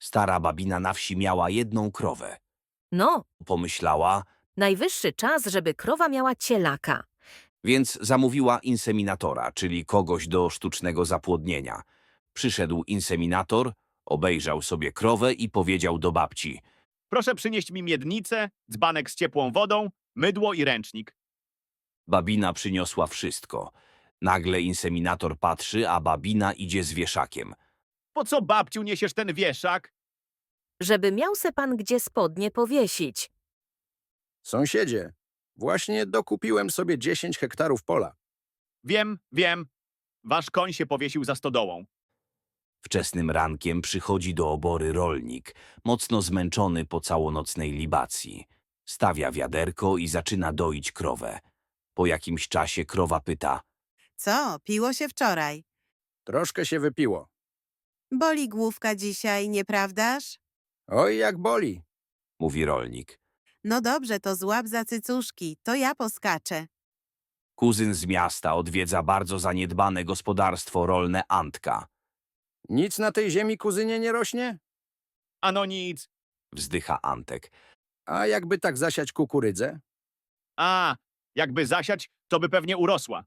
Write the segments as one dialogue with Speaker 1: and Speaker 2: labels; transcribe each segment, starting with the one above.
Speaker 1: Stara babina na wsi miała jedną krowę.
Speaker 2: No,
Speaker 1: Pomyślała,
Speaker 2: najwyższy czas, żeby krowa miała cielaka.
Speaker 1: więc zamówiła inseminatora, czyli kogoś do sztucznego zapłodnienia. Przyszedł inseminator, obejrzał sobie krowę i powiedział do babci:
Speaker 3: Proszę przynieść mi miednicę, dzbanek z ciepłą wodą, mydło i ręcznik.
Speaker 1: Babina przyniosła wszystko. Nagle inseminator patrzy, a babina idzie z wieszakiem.
Speaker 3: Po co, babciu, niesiesz ten wieszak?
Speaker 2: Żeby miał se pan gdzie spodnie powiesić.
Speaker 4: Sąsiedzie, właśnie dokupiłem sobie 10 hektarów pola.
Speaker 3: Wiem. Wasz koń się powiesił za stodołą.
Speaker 1: Wczesnym rankiem przychodzi do obory rolnik, mocno zmęczony po całonocnej libacji. Stawia wiaderko i zaczyna doić krowę. Po jakimś czasie krowa pyta:
Speaker 5: Co, piło się wczoraj?
Speaker 4: Troszkę się wypiło.
Speaker 5: Boli główka dzisiaj, nieprawdaż?
Speaker 4: Oj, jak boli.
Speaker 1: mówi rolnik.
Speaker 5: No dobrze, to złap za cycuszki, to ja poskaczę.
Speaker 1: Kuzyn z miasta odwiedza bardzo zaniedbane gospodarstwo rolne Antka.
Speaker 4: Nic na tej ziemi, kuzynie, nie rośnie?
Speaker 3: Ano nic.
Speaker 1: Wzdycha Antek.
Speaker 4: A jakby tak zasiać kukurydzę?
Speaker 3: A, jakby zasiać, to by pewnie urosła.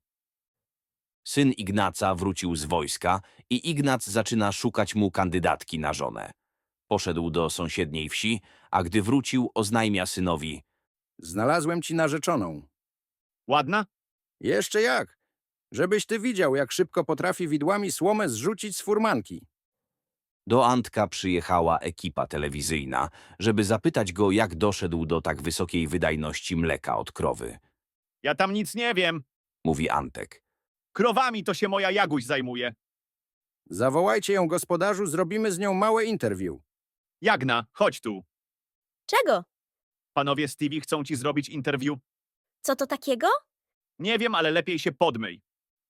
Speaker 1: Syn Ignaca wrócił z wojska i Ignac zaczyna szukać mu kandydatki na żonę. Poszedł do sąsiedniej wsi, a gdy wrócił, oznajmia synowi:
Speaker 4: Znalazłem ci narzeczoną.
Speaker 3: Ładna?
Speaker 4: Jeszcze jak? Żebyś ty widział, jak szybko potrafi widłami słomę zrzucić z furmanki.
Speaker 1: Do Antka przyjechała ekipa telewizyjna, żeby zapytać go, jak doszedł do tak wysokiej wydajności mleka od krowy.
Speaker 3: Ja tam nic nie wiem.
Speaker 1: Mówi Antek.
Speaker 3: Krowami to się moja Jaguś zajmuje.
Speaker 4: Zawołajcie ją, gospodarzu, zrobimy z nią małe interview.
Speaker 3: Jagna, chodź tu.
Speaker 6: Czego?
Speaker 3: Panowie Stevie chcą ci zrobić interview.
Speaker 6: Co to takiego?
Speaker 3: Nie wiem, ale lepiej się podmyj.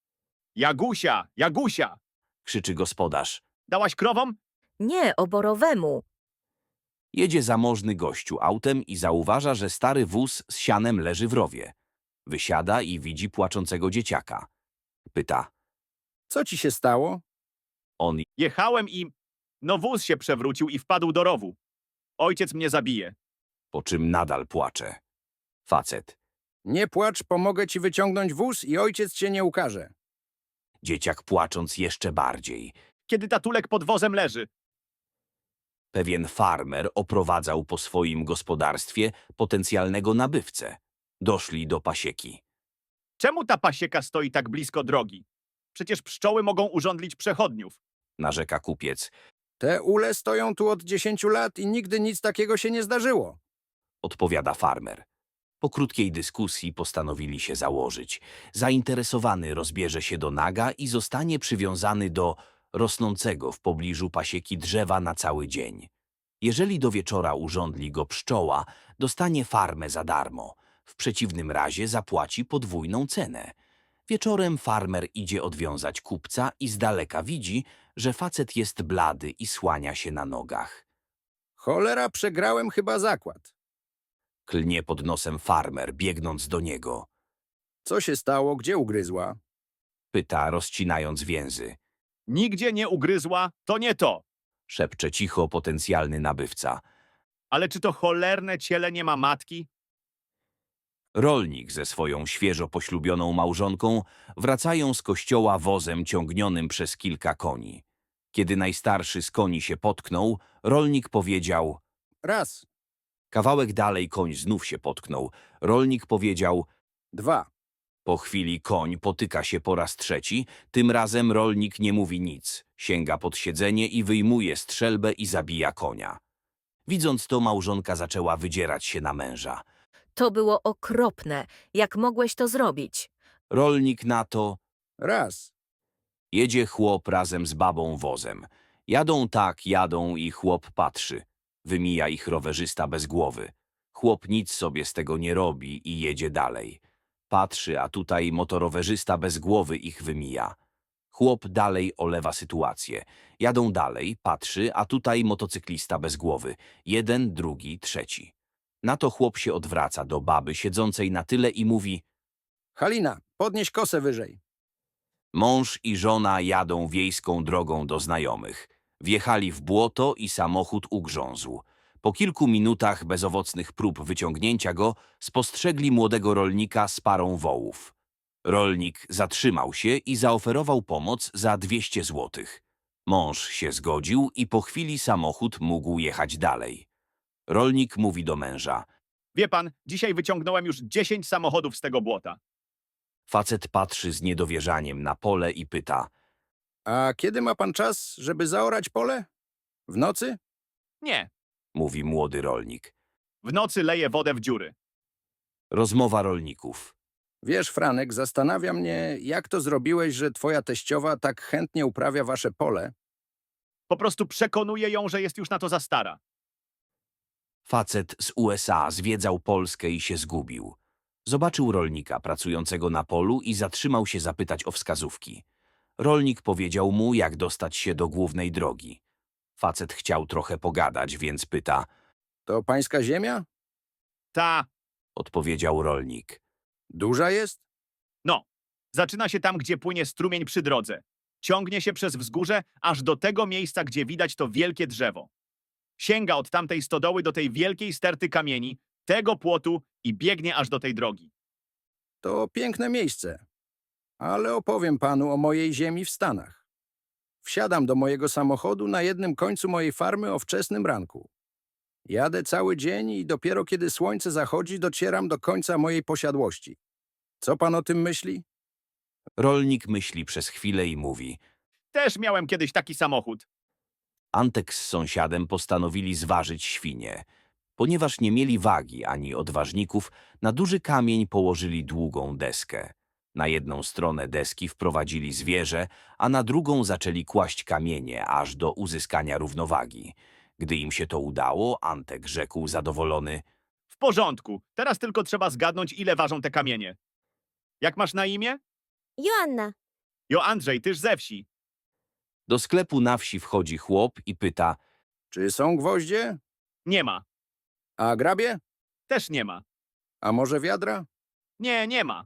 Speaker 3: Jagusia!
Speaker 1: Krzyczy gospodarz.
Speaker 3: Dałaś krowom?
Speaker 2: Nie, oborowemu.
Speaker 1: Jedzie zamożny gościu autem i zauważa, że stary wóz z sianem leży w rowie. Wysiada i widzi płaczącego dzieciaka. Pyta.
Speaker 4: Co ci się stało?
Speaker 1: On:
Speaker 3: Jechałem i... No wóz się przewrócił i wpadł do rowu. Ojciec mnie zabije.
Speaker 1: po czym nadal płacze. Facet.
Speaker 4: Nie płacz, pomogę ci wyciągnąć wóz i ojciec cię nie ukaże.
Speaker 1: Dzieciak płacząc jeszcze bardziej.
Speaker 3: Kiedy tatulek pod wozem leży.
Speaker 1: Pewien farmer oprowadzał po swoim gospodarstwie potencjalnego nabywcę. Doszli do pasieki.
Speaker 3: Czemu ta pasieka stoi tak blisko drogi? Przecież pszczoły mogą urządlić przechodniów.
Speaker 1: Narzeka kupiec.
Speaker 4: Te ule stoją tu od 10 lat i nigdy nic takiego się nie zdarzyło.
Speaker 1: Odpowiada farmer. Po krótkiej dyskusji postanowili się założyć. Zainteresowany rozbierze się do naga i zostanie przywiązany do rosnącego w pobliżu pasieki drzewa na cały dzień. Jeżeli do wieczora urządli go pszczoła, dostanie farmę za darmo. W przeciwnym razie zapłaci podwójną cenę. Wieczorem farmer idzie odwiązać kupca i z daleka widzi, że facet jest blady i słania się na nogach.
Speaker 4: Cholera, przegrałem chyba zakład.
Speaker 1: Klnie pod nosem farmer, biegnąc do niego.
Speaker 4: Co się stało? Gdzie ugryzła?
Speaker 1: Pyta, rozcinając więzy.
Speaker 3: Nigdzie nie ugryzła, to nie to.
Speaker 1: Szepcze cicho potencjalny nabywca.
Speaker 3: Ale czy to cholerne ciele nie ma matki?
Speaker 1: Rolnik ze swoją świeżo poślubioną małżonką wracają z kościoła wozem ciągnionym przez kilka koni. Kiedy najstarszy z koni się potknął, rolnik powiedział:
Speaker 4: Raz,
Speaker 1: kawałek dalej koń znów się potknął. Rolnik powiedział:
Speaker 4: 2.
Speaker 1: po chwili koń potyka się po raz trzeci, tym razem rolnik nie mówi nic. Sięga pod siedzenie i wyjmuje strzelbę i zabija konia. Widząc to, małżonka zaczęła wydzierać się na męża.
Speaker 2: To było okropne. Jak mogłeś to zrobić?
Speaker 1: Rolnik na to:
Speaker 4: Raz.
Speaker 1: jedzie chłop razem z babą wozem. Jadą i chłop patrzy. Wymija ich rowerzysta bez głowy. Chłop nic sobie z tego nie robi i jedzie dalej. Patrzy, a tutaj motorowerzysta bez głowy ich wymija. Chłop dalej olewa sytuację. Jadą dalej, patrzy, a tutaj motocyklista bez głowy. Jeden, drugi, trzeci. Na to chłop się odwraca do baby siedzącej na tyle i mówi:
Speaker 4: Halina, podnieś kosę wyżej.
Speaker 1: mąż i żona jadą wiejską drogą do znajomych. Wjechali w błoto i samochód ugrzązł. Po kilku minutach bezowocnych prób wyciągnięcia go spostrzegli młodego rolnika z parą wołów. Rolnik zatrzymał się i zaoferował pomoc za 200 złotych. Mąż się zgodził i po chwili samochód mógł jechać dalej. Rolnik mówi do męża.
Speaker 3: Wie pan, dzisiaj wyciągnąłem już 10 samochodów z tego błota.
Speaker 1: Facet patrzy z niedowierzaniem na pole i pyta.
Speaker 4: A kiedy ma pan czas, żeby zaorać pole? W nocy?
Speaker 3: Nie,
Speaker 1: Mówi młody rolnik.
Speaker 3: w nocy leję wodę w dziury.
Speaker 1: Rozmowa rolników.
Speaker 4: Wiesz, Franek, zastanawia mnie, jak to zrobiłeś, że twoja teściowa tak chętnie uprawia wasze pole.
Speaker 3: Po prostu przekonuję ją, że jest już na to za stara.
Speaker 1: Facet z USA zwiedzał Polskę i się zgubił. Zobaczył rolnika pracującego na polu i zatrzymał się zapytać o wskazówki. Rolnik powiedział mu, jak dostać się do głównej drogi. Facet chciał trochę pogadać, więc pyta.
Speaker 4: To pańska ziemia?
Speaker 3: Ta,
Speaker 1: Odpowiedział rolnik.
Speaker 4: Duża jest?
Speaker 3: no, zaczyna się tam, gdzie płynie strumień przy drodze. Ciągnie się przez wzgórze, aż do tego miejsca, gdzie widać to wielkie drzewo. Sięga od tamtej stodoły do tej wielkiej sterty kamieni, tego płotu i biegnie aż do tej drogi.
Speaker 4: To piękne miejsce. Ale opowiem panu o mojej ziemi w Stanach. Wsiadam do mojego samochodu na jednym końcu mojej farmy o wczesnym ranku. Jadę cały dzień i dopiero kiedy słońce zachodzi, docieram do końca mojej posiadłości. Co pan o tym myśli?
Speaker 1: Rolnik myśli przez chwilę i mówi.
Speaker 3: Też miałem kiedyś taki samochód.
Speaker 1: Antek z sąsiadem postanowili zważyć świnie. Ponieważ nie mieli wagi ani odważników, na duży kamień położyli długą deskę. Na jedną stronę deski wprowadzili zwierzę, a na drugą zaczęli kłaść kamienie, aż do uzyskania równowagi. Gdy im się to udało, Antek rzekł zadowolony.
Speaker 3: W porządku, teraz tylko trzeba zgadnąć, ile ważą te kamienie. Jak masz na imię?
Speaker 6: Joanna,
Speaker 3: Jo, Andrzej, tyż ze wsi.
Speaker 1: Do sklepu na wsi wchodzi chłop i pyta.
Speaker 4: Czy są gwoździe?
Speaker 3: Nie ma.
Speaker 4: A grabie?
Speaker 3: Też nie ma.
Speaker 4: A może wiadra?
Speaker 3: Nie, nie ma.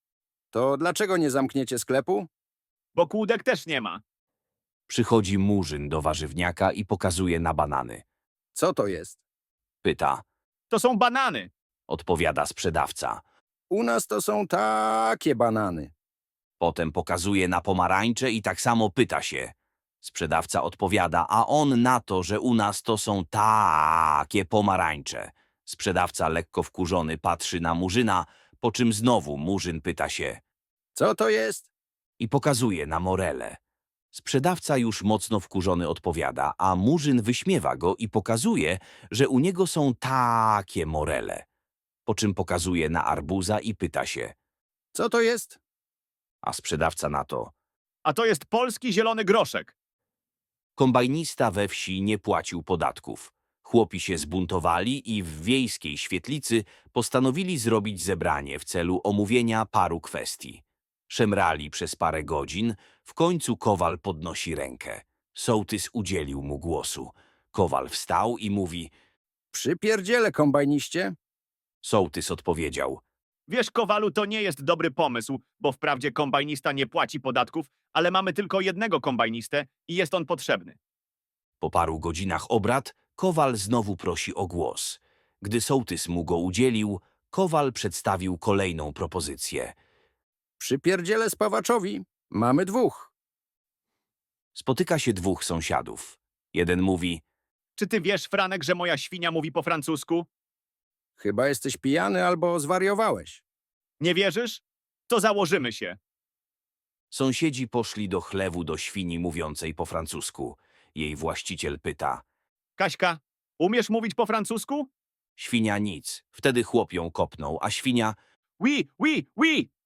Speaker 4: To dlaczego nie zamkniecie sklepu?
Speaker 3: Bo kłódek też nie ma.
Speaker 1: Przychodzi murzyn do warzywniaka i pokazuje na banany.
Speaker 4: Co to jest?
Speaker 1: Pyta.
Speaker 3: To są banany.
Speaker 1: Odpowiada sprzedawca.
Speaker 4: U nas to są takie banany.
Speaker 1: Potem pokazuje na pomarańcze i tak samo pyta się. Sprzedawca odpowiada, a on na to, że u nas to są takie pomarańcze. Sprzedawca lekko wkurzony patrzy na murzyna, po czym znowu murzyn pyta się
Speaker 4: Co to jest?
Speaker 1: i pokazuje na morele. Sprzedawca już mocno wkurzony odpowiada, a murzyn wyśmiewa go i pokazuje, że u niego są takie morele. Po czym pokazuje na arbuza i pyta się,
Speaker 4: Co to jest?
Speaker 1: a sprzedawca na to.
Speaker 3: A to jest polski zielony groszek.
Speaker 1: Kombajnista we wsi nie płacił podatków. Chłopi się zbuntowali i w wiejskiej świetlicy postanowili zrobić zebranie w celu omówienia paru kwestii. Szemrali przez parę godzin, w końcu Kowal podnosi rękę. Sołtys udzielił mu głosu. Kowal wstał i mówi.
Speaker 4: Przypierdziele, kombajniście.
Speaker 1: Sołtys odpowiedział.
Speaker 3: Wiesz, Kowalu, to nie jest dobry pomysł, bo wprawdzie kombajnista nie płaci podatków, ale mamy tylko jednego kombajnistę i jest on potrzebny.
Speaker 1: Po paru godzinach obrad Kowal znowu prosi o głos. Gdy sołtys mu go udzielił, Kowal przedstawił kolejną propozycję.
Speaker 4: Przypierdziele spawaczowi. Mamy dwóch.
Speaker 1: Spotyka się dwóch sąsiadów. Jeden mówi,
Speaker 3: Czy ty wiesz, Franek, że moja świnia mówi po francusku?
Speaker 4: Chyba jesteś pijany albo zwariowałeś.
Speaker 3: Nie wierzysz? To założymy się.
Speaker 1: sąsiedzi poszli do chlewu do świni mówiącej po francusku. Jej właściciel pyta,
Speaker 3: Kaśka, umiesz mówić po francusku?
Speaker 1: świnia nic. Wtedy chłop ją kopnął, a świnia,
Speaker 3: Oui, oui, oui.